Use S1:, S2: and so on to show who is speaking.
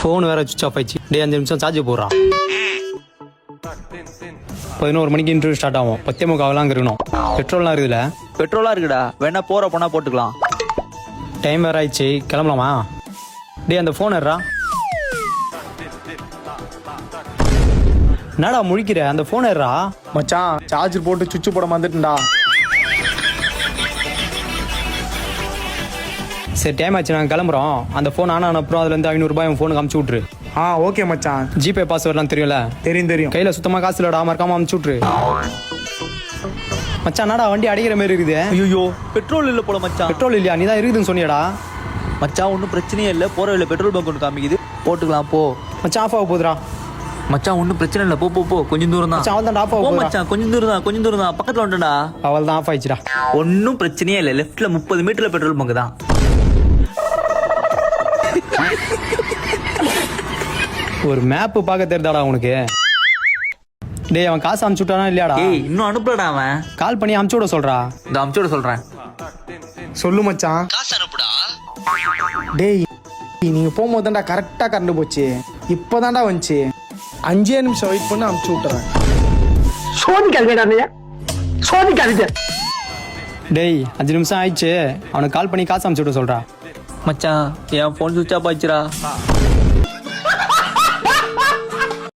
S1: Phone வேற switch off ஆயிடுச்சு. டே 5 நிமிஷம் சார்ஜ் போடுறா. 11 மணிக்கு இன்டர்வியூ ஸ்டார்ட் ஆகும். 10:45 இருக்கணும். பெட்ரோல்லாம் இருக்குதுல?
S2: பெட்ரோலா இருக்குடா, வேணா போற போனா போட்டுக்கலாம்.
S1: டைம் வேற ஆயிடுச்சு, கிளம்பலாமா? டே அந்த ஃபோன் ஏறா. என்னடா முழிக்கிற? அந்த ஃபோன் ஏறா.
S3: மச்சான் சார்ஜர் போட்டு சுவிட்ச் போட வந்துட்டுடா.
S1: சரி டைம் ஆச்சு, நாங்கள் கிளம்புறோம். அந்த ஃபோன் ஆனா அப்புறம் அதுலேருந்து 500 ரூபாய் உன் ஃபோனுக்கு அமுச்சு விட்ரு.
S3: ஓகே மச்சான்.
S1: ஜிபே பாஸ்வேர்ட்லாம் தெரியும்ல?
S3: தெரியும்.
S1: கையில் சுத்தமாக காசு இல்லடா, மறக்காம அமுச்சு விட்ரு. மச்சான் என்னடா வண்டி அடிக்கிற மாதிரி இருக்குது?
S2: ஐயோ பெட்ரோல் இல்ல போல மச்சான்.
S1: பெட்ரோல் இல்லையா? நீ தான் இருக்குதுன்னு சொன்னியடா.
S2: மச்சான் ஒன்றும் பிரச்சனையே இல்லை, போற வழியில பெட்ரோல் பங்க் ஒன்று காமிக்குது, போட்டுக்கலாம் போ.
S1: மச்சான் ஆஃப் ஆக போகுதுடா.
S2: மச்சான் ஒன்றும் பிரச்சனை இல்லை, போ போ போ, கொஞ்சம் தூரம் தான்.
S1: மச்சான் அவள் தான் ஆஃப் ஆக
S2: போ
S1: போகுது.
S2: மச்சான், கொஞ்சம் தூரம் தான் பக்கத்துல வந்துட்டா.
S1: அவள் தான் ஆஃப் ஆயிடுச்சுடா.
S2: ஒன்றும் பிரச்சனையே இல்லை, லெஃப்ட்ல 30 மீட்டர்ல பெட்ரோல் பங்க் தான்.
S1: ஒரு மேப்பு பார்க்க தெரிதாடா உனக்கு? டேய் அவன் காசு அமுச்சு விட்டானா இல்லையாடா?
S2: ஏய் இன்னும் அனுப்புலடா அவன்.
S1: கால் பண்ணி அமுச்சு விட சொல்றா.
S2: இந்த அமுச்சோட சொல்றேன்.
S3: சொல்லு மச்சான்.
S2: காசு அனுப்புடா.
S3: டேய் நீங்க போகும்போது தான்டா கரெக்டா கரண்ட் போச்சு. இப்போதான்டா வந்துச்சு. 5 நிமிஷம் வெயிட் பண்ணி அமுச்சு விட்டுறேன்.
S1: டேய் 5 நிமிஷம் ஆயிடுச்சு, அவனுக்கு கால் பண்ணி காசு அமுச்சு விட சொல்றா.
S2: மச்சான் என் ஃபோன் சுவிட்ச் ஆஃப் ஆயிடுச்சுடா.